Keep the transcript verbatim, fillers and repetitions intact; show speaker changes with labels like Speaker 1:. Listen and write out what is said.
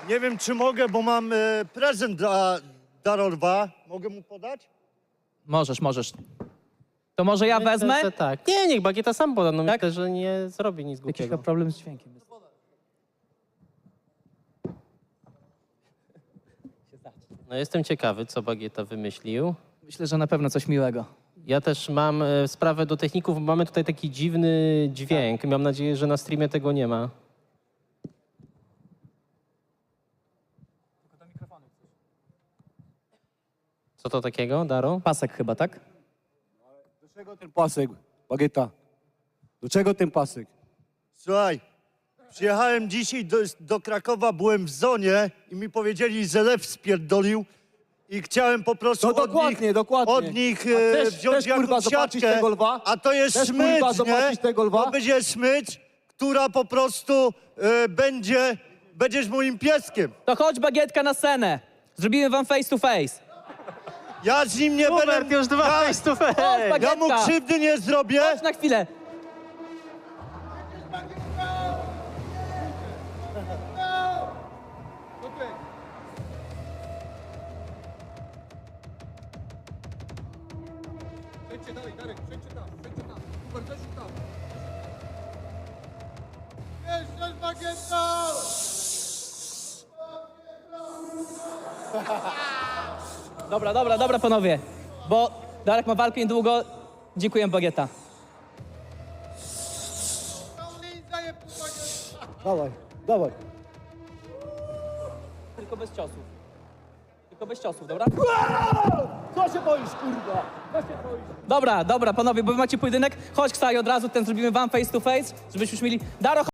Speaker 1: Nie wiem, czy mogę, bo mam e, prezent dla Darolwa. Mogę mu podać?
Speaker 2: Możesz, możesz. To może ja
Speaker 3: Myślę,
Speaker 2: wezmę?
Speaker 3: że tak. Nie, niech Bagieta sam poda. No
Speaker 2: Tak?
Speaker 3: myślę, że nie zrobi nic
Speaker 2: Jakiś
Speaker 3: głupiego.
Speaker 2: chyba problem z dźwiękiem jest.
Speaker 3: No jestem ciekawy, co Bagieta wymyślił.
Speaker 2: Myślę, że na pewno coś miłego.
Speaker 3: Ja też mam e, sprawę do techników. Mamy tutaj taki dziwny dźwięk. Mam nadzieję, że na streamie tego nie ma. Co to takiego, Daro?
Speaker 2: Pasek chyba, tak?
Speaker 4: Do czego ten pasek, Bagieta? Do czego ten pasek?
Speaker 1: Słuchaj, przyjechałem dzisiaj do, do Krakowa, byłem w zonie i mi powiedzieli, że lew spierdolił i chciałem po prostu
Speaker 4: No
Speaker 1: od
Speaker 4: dokładnie,
Speaker 1: nich,
Speaker 4: dokładnie.
Speaker 1: od nich
Speaker 4: A
Speaker 1: e,
Speaker 4: chcesz-
Speaker 1: wziąć
Speaker 4: chcesz, kurwa,
Speaker 1: jakąś
Speaker 4: zobaczyć
Speaker 1: siatkę,
Speaker 4: tego lwa?
Speaker 1: a to jest
Speaker 4: Chcesz,
Speaker 1: smycz,
Speaker 4: kurwa,
Speaker 1: nie?
Speaker 4: zobaczyć tego lwa?
Speaker 1: To będzie smycz, która po prostu e, będzie, będziesz moim pieskiem.
Speaker 2: To chodź, Bagietka, na scenę. Zrobimy wam face to face.
Speaker 1: Ja z nim nie
Speaker 3: Hubert,
Speaker 1: będę...
Speaker 3: już dwa
Speaker 1: ja,
Speaker 3: face to face.
Speaker 2: Chodź,
Speaker 1: ja mu
Speaker 2: Bagietka.
Speaker 1: krzywdy nie zrobię.
Speaker 2: Chodź na chwilę. Dobra, dobra, dobra, panowie. Bo Darek ma walkę niedługo. Dziękuję, Bagieta.
Speaker 4: Dawaj, dawaj.
Speaker 2: Tylko bez ciosów. Tylko bez ciosów, dobra?
Speaker 4: Co się boisz, kurwa? Co się boisz?
Speaker 2: Dobra, dobra, panowie, bo wy macie pojedynek. Chodź, Ksaj, od razu ten zrobimy wam face to face, żebyśmy już mieli... Daro,